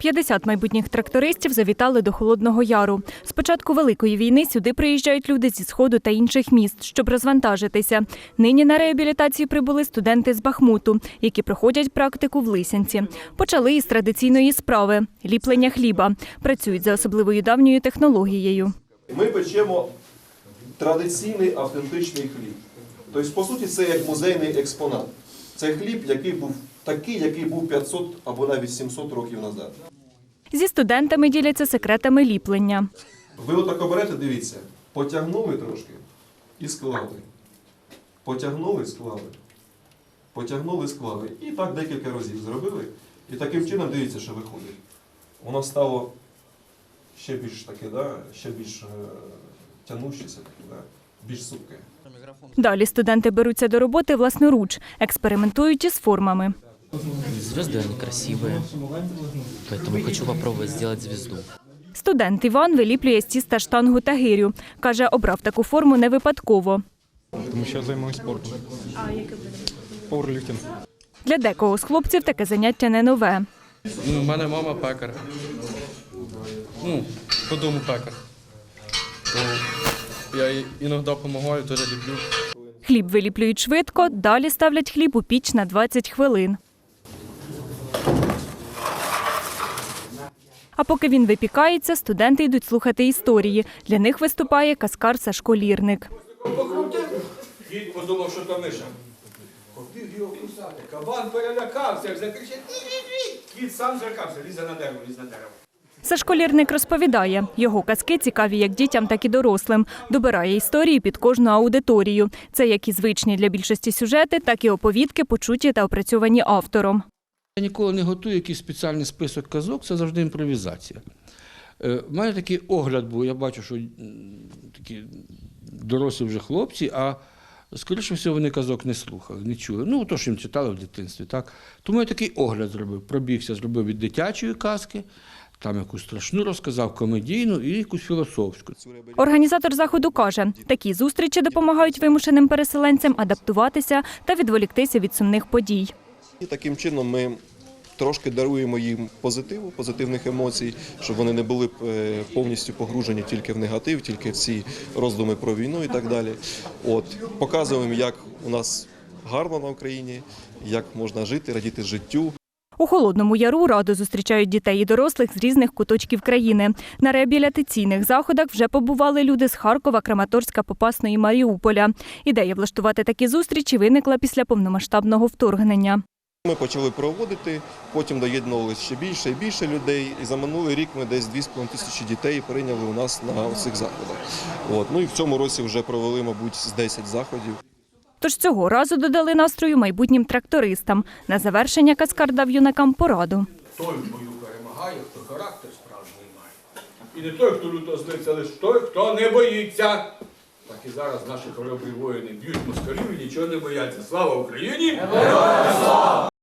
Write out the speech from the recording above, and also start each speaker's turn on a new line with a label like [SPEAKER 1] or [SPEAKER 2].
[SPEAKER 1] 50 майбутніх трактористів завітали до Холодного Яру. З початку Великої війни сюди приїжджають люди зі Сходу та інших міст, щоб розвантажитися. Нині на реабілітацію прибули студенти з Бахмуту, які проходять практику в Лисянці. Почали із традиційної справи – ліплення хліба. Працюють за особливою давньою технологією.
[SPEAKER 2] Ми печемо традиційний автентичний хліб. Тобто, по суті, це як музейний експонат. Це хліб, який був 500 або навіть 700 років назад.
[SPEAKER 1] Зі студентами діляться секретами ліплення.
[SPEAKER 2] Ви отако берете, дивіться, потягнули трошки і склали. Потягнули, склали. Потягнули, склали. І так декілька разів зробили. І таким чином, дивіться, що виходить. Воно стало ще більш таке, ще більш тянущеся, більш супке.
[SPEAKER 1] Далі студенти беруться до роботи власноруч, експериментують із формами.
[SPEAKER 3] Звезды, они красивые, поэтому хочу попробовать сделать звезду.
[SPEAKER 1] Студент Іван виліплює з тіста штангу та гирю. Каже, обрав таку форму не випадково.
[SPEAKER 4] Тому що я займаюся спортом. А яке буде? Пауерліфтинг.
[SPEAKER 1] Для декого з хлопців таке заняття не нове.
[SPEAKER 5] У мене мама пекар. По дому пекар. Я їй іноді допомагаю, теж люблю.
[SPEAKER 1] Хліб виліплюють швидко, далі ставлять хліб у піч на 20 хвилин. А поки він випікається, студенти йдуть слухати історії. Для них виступає каскар Сашко Лірник.
[SPEAKER 6] Кіт подумав, що то миша. Побіг його кусати. Кабан перелякався, закричав «Ні-ні-ні!» Кіт сам злякався, лізе на дерево,
[SPEAKER 1] Сашко Лірник розповідає, його казки цікаві як дітям, так і дорослим. Добирає історії під кожну аудиторію. Це як і звичні для більшості сюжети, так і оповідки, почуті та опрацьовані автором.
[SPEAKER 7] Я ніколи не готую якийсь спеціальний список казок, це завжди імпровізація. У мене такий огляд був, я бачу, що такі дорослі вже хлопці, а скоріше всього вони казок не слухали, не чули. То, що їм читали в дитинстві. Так? Тому я такий огляд зробив, пробігся, зробив від дитячої казки, там якусь страшну розказав, комедійну і якусь філософську.
[SPEAKER 1] Організатор заходу каже, такі зустрічі допомагають вимушеним переселенцям адаптуватися та відволіктися від сумних подій.
[SPEAKER 2] І таким чином ми трошки даруємо їм позитивних емоцій, щоб вони не були повністю погружені тільки в негатив, тільки в ці роздуми про війну і так далі. Показуємо, як у нас гарно на Україні, як можна жити, радіти життю.
[SPEAKER 1] У Холодному Яру радо зустрічають дітей і дорослих з різних куточків країни. На реабілітаційних заходах вже побували люди з Харкова, Краматорська, Попасної, Маріуполя. Ідея влаштувати такі зустрічі виникла після повномасштабного вторгнення.
[SPEAKER 2] Ми почали проводити, потім доєднувалися ще більше і більше людей. І за минулий рік ми десь 2,5 тисячі дітей прийняли у нас на цих заходах. І в цьому році вже провели, мабуть, з 10 заходів.
[SPEAKER 1] Тож цього разу додали настрою майбутнім трактористам. На завершення каскар дав юнакам пораду.
[SPEAKER 6] Той в бою перемагає, хто характер справжній має. І не той, хто люто злиться, лише той, хто не боїться. Так і зараз наші хоробрі воїни б'ють москалів і нічого не бояться. Слава Україні! Героям слава!